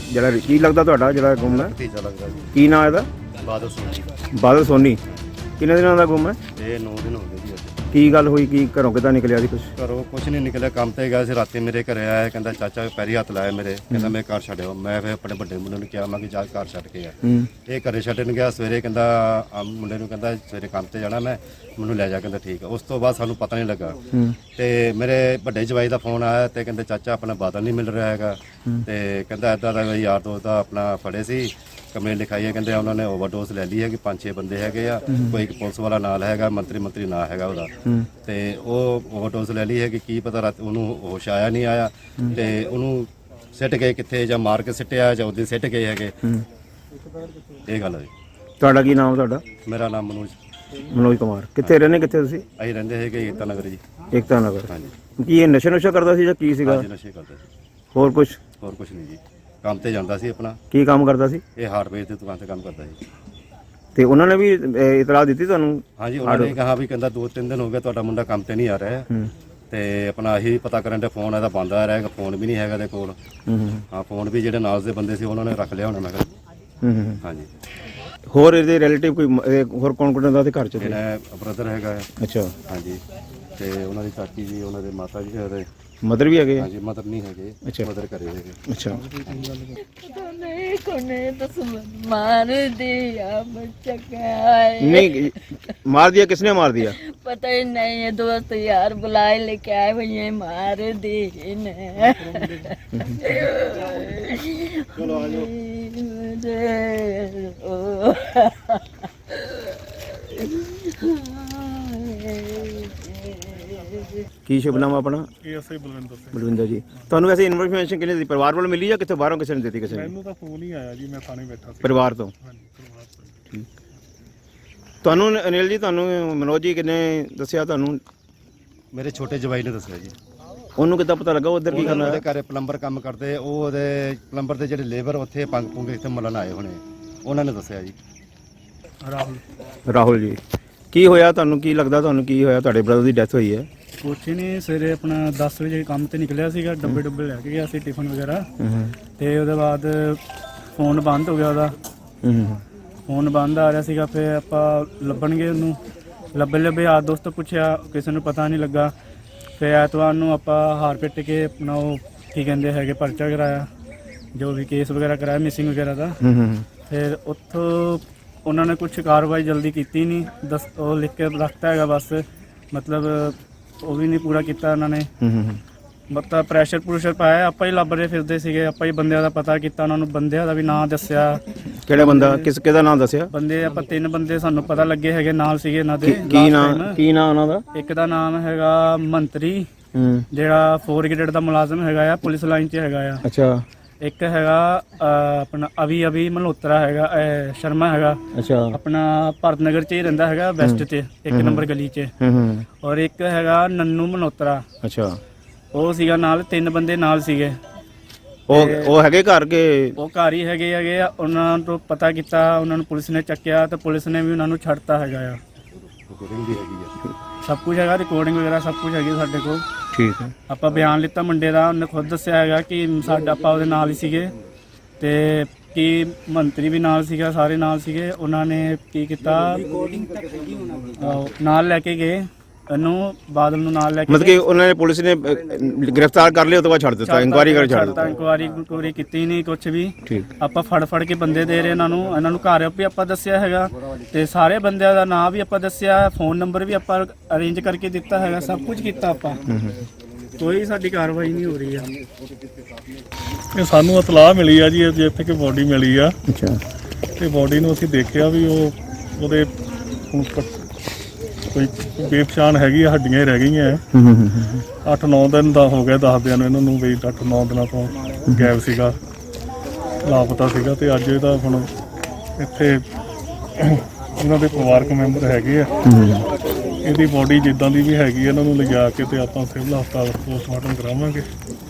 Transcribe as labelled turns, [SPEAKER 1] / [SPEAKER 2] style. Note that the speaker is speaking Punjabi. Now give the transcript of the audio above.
[SPEAKER 1] ਜਿਹੜਾ ਕੀ ਲੱਗਦਾ ਤੁਹਾਡਾ ਜਿਹੜਾ ਗੁੰਮ ਹੈ?
[SPEAKER 2] ਭਤੀਜਾ ਲੱਗਦਾ ਜੀ।
[SPEAKER 1] ਕੀ ਨਾਂ ਇਹਦਾ?
[SPEAKER 2] ਬਾਦਲ ਸੋਨੀ।
[SPEAKER 1] ਬਾਦਲ ਸੋਨੀ। ਕਿੰਨੇ ਦਿਨਾਂ ਦਾ ਗੁੰਮ ਹੈ?
[SPEAKER 2] ਇਹ 9 ਦਿਨ ਹੋ ਗਏ ਜੀ ਅੱਜ।
[SPEAKER 1] ਕੀ ਗੱਲ ਹੋਈ? ਕੀ ਘਰੋਂ ਕਿੱਦਾਂ ਨਿਕਲਿਆ ਸੀ ਕੁਛ?
[SPEAKER 2] ਘਰੋਂ ਕੁਛ ਨਹੀਂ ਨਿਕਲਿਆ, ਕੰਮ ਤੇ ਗਿਆ ਸੀ। ਰਾਤੀ ਮੇਰੇ ਘਰੇ ਆਇਆ, ਕਹਿੰਦਾ ਚਾਚਾ ਪੈਰੀ ਹੱਥ ਲਾਇਆ ਮੇਰੇ, ਕਹਿੰਦਾ ਮੈਂ ਘਰ ਛੱਡਿਓ। ਮੈਂ ਫਿਰ ਆਪਣੇ ਵੱਡੇ ਮੁੰਡੇ ਨੂੰ ਕਿਹਾ ਮੈਂ ਕਿ ਜਾ ਘਰ ਛੱਡ ਕੇ ਆ। ਇਹ ਘਰੇ ਛੱਡਣ ਗਿਆ ਸਵੇਰੇ, ਕਹਿੰਦਾ ਮੁੰਡੇ ਨੂੰ ਕਹਿੰਦਾ ਸਵੇਰੇ ਕੰਮ ਤੇ ਜਾਣਾ ਮੈਂ, ਮੈਨੂੰ ਲੈ ਜਾ। ਕਹਿੰਦਾ ਠੀਕ ਆ। ਉਸ ਤੋਂ ਬਾਅਦ ਸਾਨੂੰ ਪਤਾ ਨਹੀਂ ਲੱਗਾ ਤੇ ਮੇਰੇ ਵੱਡੇ ਜਵਾਈ ਦਾ ਫੋਨ ਆਇਆ ਤੇ ਕਹਿੰਦੇ ਚਾਚਾ ਆਪਣਾ ਬਾਦਲ ਨਹੀਂ ਮਿਲ ਰਿਹਾ ਹੈਗਾ ਤੇ ਕਹਿੰਦਾ ਇੱਦਾਂ ਦਾ ਯਾਰ ਦੋਸਤ ਦਾ ਆਪਣਾ ਫੜੇ ਸੀ, ਕੰਪਲੇਂਟ ਲਿਖਾਈ ਹੈ। ਕਹਿੰਦੇ ਉਹਨਾਂ ਨੇ ਓਵਰਡੋਜ਼ ਲੈ ਲਈ ਹੈ ਕਿ 5-6 ਬੰਦੇ ਹੈਗੇ ਆ, ਕੋਈ ਇੱਕ ਪੁਲਿਸ ਵਾਲਾ ਨਾਲ ਹੈਗਾ, ਮੰਤਰੀ ਨਾਂ ਹੈਗਾ ਉਹਦਾ, ਤੇ ਉਹ ਓਵਰਡੋਜ਼ ਲੈ ਲਈ ਹੈ ਕਿ ਕੀ ਪਤਾ ਰਾਤ ਉਹਨੂੰ ਹੋਸ਼ ਆਇਆ ਨਹੀਂ ਆਇਆ ਤੇ ਉਹਨੂੰ ਸਿੱਟ ਗਏ ਕਿੱਥੇ, ਜਾਂ ਮਾਰ ਕੇ ਸਿੱਟਿਆ ਜਾਂ ਉਹਦੇ ਸਿੱਟ ਗਏ ਹੈਗੇ। ਇਹ ਗੱਲ ਹੈ।
[SPEAKER 1] ਤੁਹਾਡਾ ਕੀ ਨਾਮ? ਤੁਹਾਡਾ?
[SPEAKER 2] ਮੇਰਾ ਨਾਮ
[SPEAKER 1] ਮਨੋਜ ਕੁਮਾਰ। ਕਿੱਥੇ ਰਹਿੰਦੇ? ਕਿੱਥੇ ਤੁਸੀਂ?
[SPEAKER 2] ਅਸੀਂ ਰਹਿੰਦੇ ਹੈਗੇ ਏਕਤਾ ਨਗਰ ਜੀ।
[SPEAKER 1] ਏਕਤਾ ਨਗਰ।
[SPEAKER 2] ਹਾਂਜੀ।
[SPEAKER 1] ਕੀ ਇਹ ਨਸ਼ਾ ਕਰਦਾ ਸੀ ਜਾਂ ਕੀ ਸੀਗਾ?
[SPEAKER 2] ਹਾਂਜੀ, ਨਸ਼ੇ ਕਰਦਾ ਸੀ।
[SPEAKER 1] ਹੋਰ ਕੁਛ
[SPEAKER 2] ਨਹੀਂ ਜੀ। ਕੰਮ ਤੇ ਜਾਂਦਾ ਸੀ ਆਪਣਾ।
[SPEAKER 1] ਕੀ ਕੰਮ ਕਰਦਾ ਸੀ?
[SPEAKER 2] ਇਹ ਹਾਰਡਵੇਅਰ ਦੀ ਦੁਕਾਨ ਤੇ ਕੰਮ ਕਰਦਾ ਜੀ।
[SPEAKER 1] ਤੇ ਉਹਨਾਂ ਨੇ ਵੀ ਇਤਲਾਹ ਦਿੱਤੀ ਤੁਹਾਨੂੰ?
[SPEAKER 2] ਹਾਂਜੀ, ਉਹਨਾਂ ਨੇ ਕਿਹਾ ਵੀ ਕਹਿੰਦਾ 2-3 ਦਿਨ ਹੋ ਗਏ ਤੁਹਾਡਾ ਮੁੰਡਾ ਕੰਮ ਤੇ ਨਹੀਂ ਆ ਰਿਹਾ ਤੇ ਆਪਣਾ ਇਹੀ ਪਤਾ ਕਰਨ ਦੇ ਫੋਨ ਇਹਦਾ ਬੰਦ ਆ ਰਿਹਾ, ਫੋਨ ਵੀ ਨਹੀਂ ਹੈਗਾ ਇਹਦੇ ਕੋਲ। ਹਾਂ, ਫੋਨ ਵੀ ਜਿਹੜੇ ਨਾਲ ਦੇ ਬੰਦੇ ਸੀ ਉਹਨਾਂ ਨੇ ਰੱਖ ਲਿਆ ਹੋਣਾ ਮੈਂ ਕਿਹਾ। ਹਾਂਜੀ।
[SPEAKER 1] ਹੋਰ ਇਹਦੇ ਰਿਲੇਟਿਵ ਕੋਈ ਹੋਰ ਕੌਣ ਦਾ ਤੇ ਘਰ ਚ?
[SPEAKER 2] ਇਹਦਾ ਬ੍ਰਦਰ ਹੈਗਾ।
[SPEAKER 1] ਅੱਛਾ।
[SPEAKER 2] ਹਾਂਜੀ। ਤੇ ਉਹਨਾਂ ਦੀ ਚਾਚੀ ਜੀ, ਉਹਨਾਂ ਦੇ ਮਾਤਾ ਜੀ, ਉਹਦੇ
[SPEAKER 1] ਮਦਰ ਵੀ ਹੈਗੇ?
[SPEAKER 2] ਹਾਂਜੀ, ਮਦਰ ਨਹੀਂ ਹੈਗੇ।
[SPEAKER 1] ਅੱਛਾ।
[SPEAKER 2] ਮਦਰ ਘਰੇ ਹੈਗੇ।
[SPEAKER 1] ਅੱਛਾ।
[SPEAKER 3] नहीं कोने तो मार दिया बच्चा क्या है?
[SPEAKER 1] नहीं मार दिया? किसने मार दिया?
[SPEAKER 3] पता ही नहीं है, दोस्त यार बुलाए लेके आए हुए हैं, मार दी ने। चलो आ जाओ।
[SPEAKER 1] ਕੀ ਸ਼ੁਭ ਨਾਮ ਆਪਣਾ?
[SPEAKER 4] ਐਸਆਈ ਬਲਵਿੰਦਰ ਸਿੰਘ।
[SPEAKER 1] ਬਲਵਿੰਦਰ ਜੀ, ਤੁਹਾਨੂੰ ਵੈਸੇ ਇਨਫੋਰਮੇਸ਼ਨ ਕਿਹਨੇ ਦਿੱਤੀ? ਪਰਿਵਾਰ ਵੱਲੋਂ ਮਿਲੀ ਜਾਂ ਕਿੱਥੇ ਬਾਹਰੋਂ ਕਿਸੇ ਨੇ ਦਿੱਤੀ? ਕਿਸੇ ਨੇ?
[SPEAKER 4] ਮੈਨੂੰ ਤਾਂ ਫੋਨ ਹੀ ਆਇਆ ਜੀ, ਮੈਂ ਥਾਣੇ ਬੈਠਾ ਸੀ।
[SPEAKER 1] ਪਰਿਵਾਰ ਤੋਂ?
[SPEAKER 4] ਹਾਂਜੀ, ਪਰਿਵਾਰ ਤੋਂ।
[SPEAKER 1] ਤੁਹਾਨੂੰ ਅਨਿਲ ਜੀ, ਤੁਹਾਨੂੰ ਮਨੋਜ ਜੀ ਕਿਨੇ ਦੱਸਿਆ ਤੁਹਾਨੂੰ?
[SPEAKER 2] ਮੇਰੇ ਛੋਟੇ ਜਵਾਈ ਨੇ ਦੱਸਿਆ ਜੀ।
[SPEAKER 1] ਉਹਨੂੰ ਕਿੱਦਾਂ ਪਤਾ ਲੱਗਾ ਉਧਰ ਕੀ ਕਰਨਾ?
[SPEAKER 2] ਉਹਦੇ ਘਰੇ ਪਲੰਬਰ ਕੰਮ ਕਰਦੇ, ਉਹ ਉਹਦੇ ਪਲੰਬਰ ਦੇ ਜਿਹੜੇ ਲੇਬਰ ਉੱਥੇ ਪੰਗ ਪੁੰਗ ਇੱਥੇ ਮਲਣ ਆਏ ਹੋਣੇ, ਉਹਨਾਂ ਨੇ ਦੱਸਿਆ ਜੀ।
[SPEAKER 1] ਰਾਹੁਲ ਜੀ, ਕੀ ਹੋਇਆ ਤੁਹਾਨੂੰ? ਕੀ ਲੱਗਦਾ ਤੁਹਾਨੂੰ ਕੀ ਹੋਇਆ? ਤੁਹਾਡੇ ਬ੍ਰਦਰ ਦੀ ਡੈਥ ਹੋਈ ਹੈ।
[SPEAKER 4] ਕੁਛ ਨਹੀਂ, ਸਵੇਰੇ ਆਪਣਾ 10 ਵਜੇ ਕੰਮ ਤੇ ਨਿਕਲਿਆ ਸੀਗਾ, ਡੱਬੇ ਲੈ ਕੇ ਗਿਆ ਸੀ, ਟਿਫਨ ਵਗੈਰਾ, ਤੇ ਉਹਦੇ ਬਾਅਦ ਫੋਨ ਬੰਦ ਹੋ ਗਿਆ ਉਹਦਾ। ਫੋਨ ਬੰਦ ਆ ਰਿਹਾ ਸੀਗਾ, ਫਿਰ ਆਪਾਂ ਲੱਭਣ ਗਏ ਉਹਨੂੰ, ਲੱਭੇ ਯਾਰ ਦੋਸਤ ਤੋਂ ਪੁੱਛਿਆ, ਕਿਸੇ ਨੂੰ ਪਤਾ ਨਹੀਂ ਲੱਗਾ। ਫਿਰ ਐਤਵਾਰ ਨੂੰ ਆਪਾਂ ਹਾਰ ਪਿੱਟ ਕੇ ਆਪਣਾ ਉਹ ਕੀ ਕਹਿੰਦੇ ਹੈਗੇ ਪਰਚਾ ਕਰਾਇਆ, ਜੋ ਵੀ ਕੇਸ ਵਗੈਰਾ ਕਰਾਇਆ ਮਿਸਿੰਗ ਵਗੈਰਾ ਦਾ। ਫਿਰ ਉੱਥੋਂ ਉਹਨਾਂ ਨੇ ਕੁਛ ਕਾਰਵਾਈ ਜਲਦੀ ਕੀਤੀ ਨਹੀਂ, ਉਹ ਲਿਖ ਕੇ ਰੱਖਤਾ ਹੈਗਾ ਬਸ, ਮਤਲਬ ਉਹ ਵੀ ਨਹੀਂ ਪੂਰਾ ਕੀਤਾ ਉਹਨਾਂ ਨੇ। ਮਤਲਬ ਪ੍ਰੈਸ਼ਰ ਪਾਇਆ, ਆਪਾਂ ਹੀ ਲੱਭ ਰਹੇ ਫਿਰਦੇ ਸੀਗੇ, ਆਪਾਂ ਹੀ ਬੰਦਿਆਂ ਦਾ ਪਤਾ ਕੀਤਾ, ਉਹਨਾਂ ਨੂੰ ਬੰਦਿਆਂ ਦਾ ਵੀ ਨਾਂ ਦੱਸਿਆ।
[SPEAKER 1] ਕਿਹੜਾ ਬੰਦਾ? ਕਿਹਦਾ ਨਾਮ ਦੱਸਿਆ?
[SPEAKER 4] ਬੰਦੇ ਆਪਾਂ 3 ਬੰਦੇ ਸਾਨੂੰ ਪਤਾ ਲੱਗੇ ਹੈਗੇ, ਨਾਲ ਸੀਗੇ ਇਹਨਾਂ ਦੇ।
[SPEAKER 1] ਕੀ ਨਾਂ ਉਹਨਾਂ ਦਾ?
[SPEAKER 4] ਇੱਕ ਦਾ ਨਾਮ ਹੈਗਾ ਮੰਤਰੀ, ਜਿਹੜਾ 4 ਗ੍ਰੇਡ ਦਾ ਮੁਲਾਜ਼ਮ ਹੈਗਾ ਆ, ਪੁਲਿਸ ਲਾਈਨ 'ਚ ਹੈਗਾ ਆ।
[SPEAKER 1] ਅੱਛਾ। ਇੱਕ
[SPEAKER 4] ਹੈਗਾ ਆਪਣਾ ਅਵੀ ਮਲਹੋਤਰਾ ਹੈਗਾ, ਸ਼ਰਮਾ ਹੈਗਾ।
[SPEAKER 1] ਅੱਛਾ।
[SPEAKER 4] ਆਪਣਾ ਭਾਰਤ ਨਗਰ 'ਚ ਹੀ ਰਹਿੰਦਾ ਹੈਗਾ, ਵੈਸਟ 'ਚ 1 ਨੰਬਰ ਗਲੀ 'ਚ। ਔਰ ਇੱਕ ਹੈਗਾ ਨੰਨੂ ਮਲਹੋਤਰਾ।
[SPEAKER 1] ਅੱਛਾ।
[SPEAKER 4] ਉਹ ਸੀਗਾ ਨਾਲ, 3 ਬੰਦੇ ਨਾਲ ਸੀਗੇ।
[SPEAKER 1] ਉਹ ਹੈਗੇ ਘਰ ਕੇ?
[SPEAKER 4] ਉਹ ਘਰ ਹੀ ਹੈਗੇ ਆ। ਉਹਨਾਂ ਤੋਂ ਪਤਾ ਕੀਤਾ, ਉਹਨਾਂ ਨੂੰ ਪੁਲਿਸ ਨੇ ਚੱਕਿਆ ਤੇ ਪੁਲਿਸ ਨੇ ਵੀ ਉਹਨਾਂ ਨੂੰ ਛੱਡਤਾ ਹੈਗਾ ਆ। ਸਭ ਕੁਝ ਹੈਗਾ, ਰਿਕਾਰਡਿੰਗ ਵਗੈਰਾ ਸਭ ਕੁਝ ਹੈਗੀ ਸਾਡੇ ਕੋਲ।
[SPEAKER 1] ਠੀਕ ਹੈ।
[SPEAKER 4] ਆਪਾਂ ਬਿਆਨ ਲਿੱਤਾ ਮੁੰਡੇ ਦਾ, ਉਹਨੇ ਖੁਦ ਦੱਸਿਆ ਹੈਗਾ ਕਿ ਸਾਡਾ ਆਪਾਂ ਉਹਦੇ ਨਾਲ ਹੀ ਸੀਗੇ ਤੇ ਕਿ ਮੰਤਰੀ ਵੀ ਨਾਲ ਸੀਗਾ, ਸਾਰੇ ਨਾਲ ਸੀਗੇ। ਉਹਨਾਂ ਨੇ ਕੀ ਕੀਤਾ, ਨਾਲ ਲੈ ਕੇ ਗਏ ਇਹਨੂੰ, ਬਾਦਲ ਨੂੰ ਨਾਲ ਲੈ ਕੇ।
[SPEAKER 1] ਮਤਲਬ ਕਿ ਉਹਨਾਂ ਨੇ ਪੁਲਿਸ ਨੇ ਗ੍ਰਿਫਤਾਰ ਕਰ ਲਿਆ, ਉਸ ਤੋਂ ਬਾਅਦ ਛੱਡ ਦਿੱਤਾ, ਇਨਕੁਆਇਰੀ ਕਰ ਛੱਡ ਦਿੱਤਾ?
[SPEAKER 4] ਇਨਕੁਆਇਰੀ ਕੀਤੀ ਨਹੀਂ ਕੁਛ ਵੀ। ਆਪਾਂ ਫੜ ਕੇ ਬੰਦੇ ਦੇ ਰਹੇ ਇਹਨਾਂ ਨੂੰ ਘਰ ਵੀ ਆਪਾਂ ਦੱਸਿਆ ਹੈਗਾ ਤੇ ਸਾਰੇ ਬੰਦਿਆਂ ਦਾ ਨਾਮ ਵੀ ਆਪਾਂ ਦੱਸਿਆ, ਫੋਨ ਨੰਬਰ ਵੀ ਆਪਾਂ ਅਰੇਂਜ ਕਰਕੇ ਦਿੱਤਾ ਹੈਗਾ, ਸਭ ਕੁਝ ਕੀਤਾ ਆਪਾਂ। ਕੋਈ ਸਾਡੀ ਕਾਰਵਾਈ ਨਹੀਂ ਹੋ ਰਹੀ ਆ।
[SPEAKER 5] ਇਹ ਸਾਨੂੰ ਇਤਲਾਹ ਮਿਲੀ ਆ ਜੀ, ਇੱਥੇ ਕਿ ਬੋਡੀ ਮਿਲੀ ਆ।
[SPEAKER 1] ਅੱਛਾ।
[SPEAKER 5] ਤੇ ਬੋਡੀ ਨੂੰ ਅਸੀਂ ਦੇਖਿਆ ਵੀ ਉਹਦੇ ਕੋਈ ਬੇਪਛਾਣ ਹੈਗੀ ਆ, ਹੱਡੀਆਂ ਹੀ ਰਹਿ ਗਈਆਂ। 8-9 ਦਿਨ ਦਾ ਹੋ ਗਿਆ ਦੱਸਦਿਆਂ ਨੂੰ ਇਹਨਾਂ ਨੂੰ ਵੀ 8-9 ਦਿਨਾਂ ਤੋਂ ਗਾਇਬ ਸੀਗਾ, ਲਾਪਤਾ ਸੀਗਾ। ਤੇ ਅੱਜ ਇਹਦਾ ਹੁਣ ਇੱਥੇ ਉਹਨਾਂ ਦੇ ਪਰਿਵਾਰਕ ਮੈਂਬਰ ਹੈਗੇ ਆ, ਇਹਦੀ ਬੋਡੀ ਜਿੱਦਾਂ ਦੀ ਵੀ ਹੈਗੀ ਇਹਨਾਂ ਨੂੰ ਲਿਜਾ ਕੇ ਤੇ ਆਪਾਂ ਸਿਵਲ ਹਸਪਤਾਲ ਪੋਸਟਮਾਰਟਮ ਕਰਾਵਾਂਗੇ।